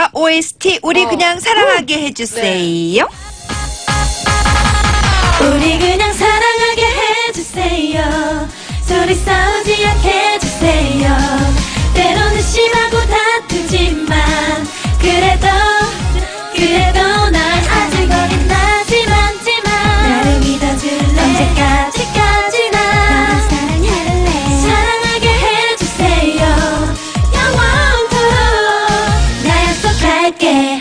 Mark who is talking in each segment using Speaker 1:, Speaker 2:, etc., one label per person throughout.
Speaker 1: OST 우리 그냥 사랑하게 해주세요.
Speaker 2: 우리 그냥 사랑하게 해주세요. 소리 싸우지 않게 해주세요. 때로는 심하고 다투지만 그래도 난 아직 어린 나지만 나를 믿어줄래. 언제까지나 나를 사랑하게 해주세요. 영원토록 나 약속할게.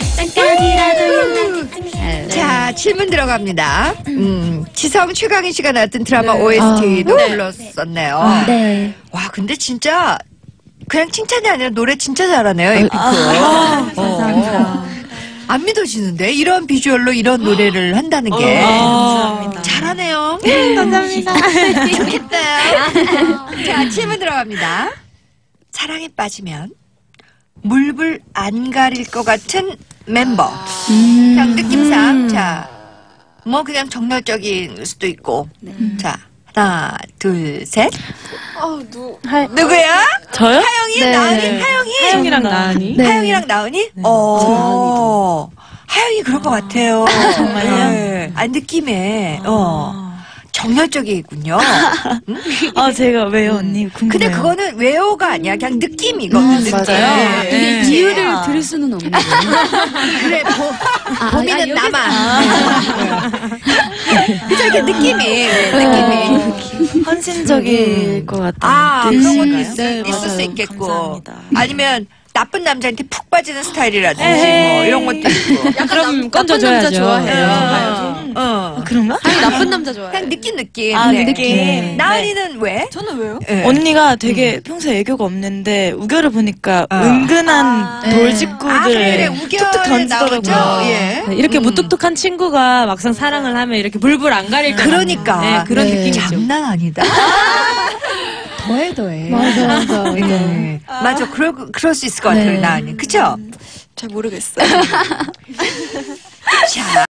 Speaker 2: 잠깐이라도
Speaker 1: 자, 질문 들어갑니다. 지성 최강희 씨가 나왔던 드라마 OST도 불렀었네요.
Speaker 3: 네.
Speaker 1: 와, 근데 진짜 그냥 칭찬이 아니라 노래 진짜 잘하네요, 에픽.
Speaker 3: 감사합니다.
Speaker 1: 안 믿어지는데 이런 비주얼로 이런 노래를 한다는 게
Speaker 2: 감사합니다.
Speaker 1: 잘하네요.
Speaker 3: 감사합니다.
Speaker 1: 좋겠다. 자, 질문 들어갑니다. 사랑에 빠지면 물불 안 가릴 것 같은 멤버. 그냥 느낌상 자, 뭐 그냥 정열적인 수도 있고. 자, 하나, 둘, 셋. 누구야?
Speaker 4: 저요?
Speaker 1: 하영이,
Speaker 3: 네.
Speaker 1: 나은이, 하영이.
Speaker 4: 하영이랑 나은이.
Speaker 3: 네.
Speaker 1: 하영이랑 나은이? 하영이 그럴 것 같아요.
Speaker 4: 정말요?
Speaker 1: 네. 아, 느낌에, 정열적이군요.
Speaker 4: 제가 왜요, 언니? 궁금해요.
Speaker 1: 근데 그거는 외워가 아니야. 그냥 느낌이거든.
Speaker 3: 맞아요.
Speaker 1: 네.
Speaker 3: 이유를 들을 수는 없는 거예요.
Speaker 1: 그래, 봄이는 나만. 그죠, 이렇게 느낌이.
Speaker 4: 헌신적일 것 같아요.
Speaker 1: 아, 그런 것도
Speaker 4: 뜻인가요?
Speaker 1: 있을 수
Speaker 3: 맞아요.
Speaker 1: 있겠고.
Speaker 4: 감사합니다.
Speaker 1: 아니면 나쁜 남자한테 푹 빠지는 스타일이라든지
Speaker 4: 에이.
Speaker 1: 뭐 이런 것도 있고.
Speaker 5: 그럼 건져줘야죠.
Speaker 4: 그런가?
Speaker 5: 나쁜 남자 좋아해요.
Speaker 1: 그냥 느낌.
Speaker 4: 아,
Speaker 1: 네.
Speaker 4: 느낌.
Speaker 1: 나은이는 왜?
Speaker 5: 저는 왜요?
Speaker 1: 네.
Speaker 4: 언니가 되게 평소에 애교가 없는데 우결을 보니까 은근한 돌직구들
Speaker 1: 그래,
Speaker 4: 툭툭
Speaker 1: 우결에 나오죠.
Speaker 4: 던지더라고요.
Speaker 1: 예.
Speaker 5: 이렇게 무뚝뚝한 친구가 막상 사랑을 하면 이렇게 불불 안 가릴 때.
Speaker 1: 그러니까.
Speaker 5: 네, 그런
Speaker 3: 네.
Speaker 5: 느낌이죠.
Speaker 1: 장난 아니다. 더해.
Speaker 3: 맞아.
Speaker 1: 네. 맞아. 그럴 수 있을 것 같아요,
Speaker 3: 네.
Speaker 1: 나은이. 그쵸?
Speaker 2: 잘 모르겠어요.
Speaker 1: 자.